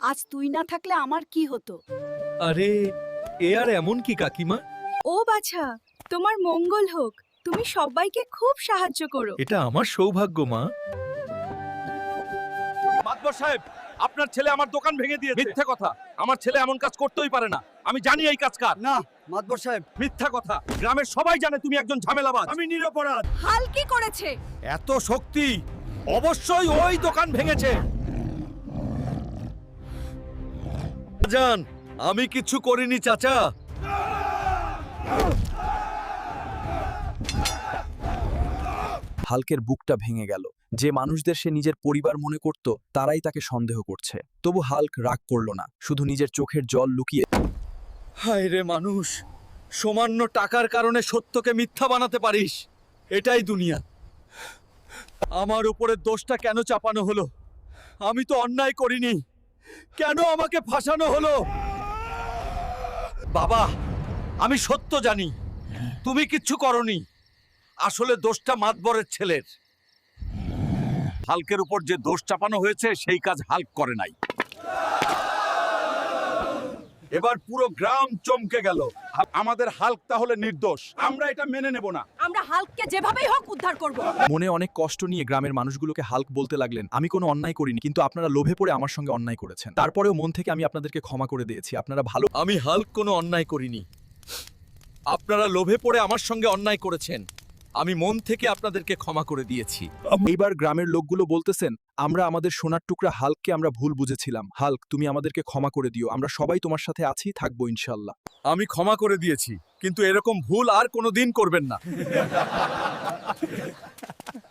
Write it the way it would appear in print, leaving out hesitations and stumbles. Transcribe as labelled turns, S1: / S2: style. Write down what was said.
S1: আজ তুই না থাকলে আমার কি হতো?
S2: আরে এ আর এমন কি কাকিমা?
S3: ও বাছা, তোমার মঙ্গল হোক। তুমি সবাইকে খুব সাহায্য করো।
S2: এটা আমার সৌভাগ্য মা।
S4: মাতবর সাহেব, আপনার ছেলে আমার দোকান ভেঙে দিয়েছে। মিথ্যা কথা, আমার ছেলে এমন কাজ করতেই পারে না। আমি জানি এই কাজ কার।
S5: না মাতবর সাহেব,
S4: মিথ্যা কথা, গ্রামের সবাই জানে তুমি একজন ঝামেলাবাজ। আমি নিরপরাধ।
S3: হাল কি করেছে?
S4: এত শক্তি, অবশ্যই ওই দোকান ভেঙেছে।
S2: জান, আমি কিছু করিনি চাচা।
S6: হাল্কের বুকটা ভেঙে গেল। যে মানুষদের সে নিজের পরিবার মনে করত তারাই তাকে সন্দেহ করছে। তবু হাল্ক রাগ করল না, শুধু নিজের চোখের জল লুকিয়ে।
S2: হায় রে মানুষ, সামান্য টাকার কারণে সত্যকে মিথ্যা বানাতে পারিস। এটাই দুনিয়া। আমার উপরে দোষটা কেন চাপানো হলো? আমি তো অন্যায় করিনি, কেন আমাকে ফাঁসানো হলো? বাবা, আমি সত্য জানি, তুমি কিচ্ছু করনি। আসলে দোষটা মাতবরের ছেলের।
S4: হাল্কের উপর যে দোষ চাপানো হয়েছে সেই কাজ হাল্ক করে নাই। এবার পুরো গ্রাম চমকে গেল। আমাদের হাল্ক তাহলে নির্দোষ। আমরা এটা মেনে নেব না।
S1: আমরা হাল্ককে যেভাবেই হোক উদ্ধার করব।
S6: মনে অনেক কষ্ট নিয়ে গ্রামের মানুষগুলোকে হাল্ক বলতে লাগলেন, আমি কোনো অন্যায় করিনি, কিন্তু আপনারা লোভে পড়ে আমার সঙ্গে অন্যায় করেছেন। তারপরেও মন থেকে আমি আপনাদেরকে ক্ষমা করে দিয়েছি। আপনারা ভালো।
S2: আমি হাল্ক কোনো অন্যায় করিনি। আপনারা লোভে পড়ে আমার সঙ্গে অন্যায় করেছেন। আমি মন থেকে আপনাদেরকে ক্ষমা করে দিয়েছি।
S6: এইবার গ্রামের লোকগুলো বলতেছেন, আমরা আমাদের সোনার টুকরা হাল্ককে আমরা ভুল বুঝেছিলাম। হাল্ক, তুমি আমাদেরকে ক্ষমা করে দিও। আমরা সবাই তোমার সাথে আছি, থাকবো ইনশাল্লাহ।
S2: আমি ক্ষমা করে দিয়েছি, কিন্তু এরকম ভুল আর কোনোদিন করবেন না।